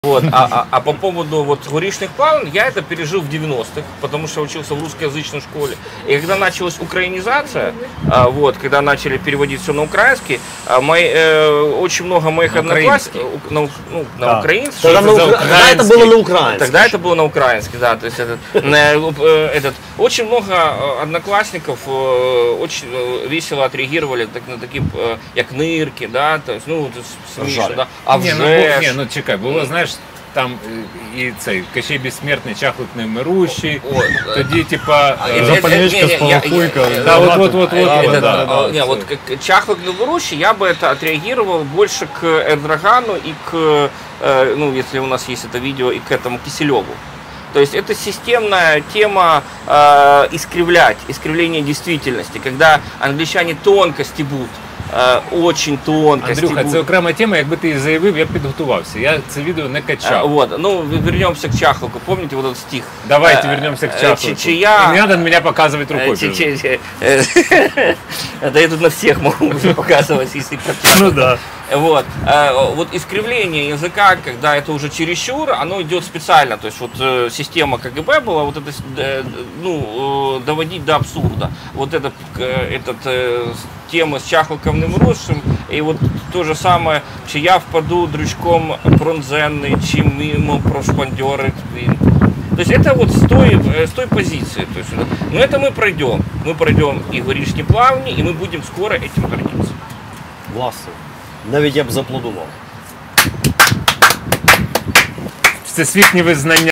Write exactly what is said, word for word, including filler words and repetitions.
Вот, а, а, а по поводу вот горичных плавн, я это пережил в девяностых, потому что учился в русскоязычной школе. И когда началась украинизация, а, вот, когда начали переводить все на украинский, а, мои, э, очень много моих одноклассников, на, ну, на да. украинский. Тогда, на укра... Тогда это было на украинский. Тогда это было на украинский, да. То есть этот, этот, очень много одноклассников очень весело отреагировали так, на такие, как нырки, да, то есть, ну, смешно, да. А не, ну, не, ну чекай, було, знаєш, там і цей Кощей Безсмертний, Чахлик Немирущий, тоді типа Запальничка с полохуйкой. Да, вот, вот, вот, вот. Не, вот Чахлик Немирущий я бы это отреагировал больше к Эрдогану и к, ну, если у нас есть это видео, и к этому Киселеву. То есть это системная тема э, искривлять, искривление действительности, когда англичане тонко стебут. Очень тонко. Андрюха, стебут. це окрема тема, якби ти заявив, я б підготувався. Я це відео не качав. Вот, ну, вернемся к Чахлику. Помните вот этот стих? Давайте вернемся к Чахлику. Чечая... Не надо на меня показывать рукой. Да я тут на всех могу показывать, если хотят. Ну да. Вот. Вот искривление языка, когда это уже чересчур, оно идет специально. То есть вот система КГБ была вот это, ну, доводить до абсурда. Вот это, этот тема с Чахликом Немирущим, и вот то же самое, чи я впаду дрючком пронзенный, чи мимо прошпандерит. То есть это вот с той, с той позиции. То есть, но это мы пройдем. Мы пройдем и горичні плавні, и мы будем скоро этим гордиться. Власне. Навіть я б зааплодував. Всесвітнє визнання.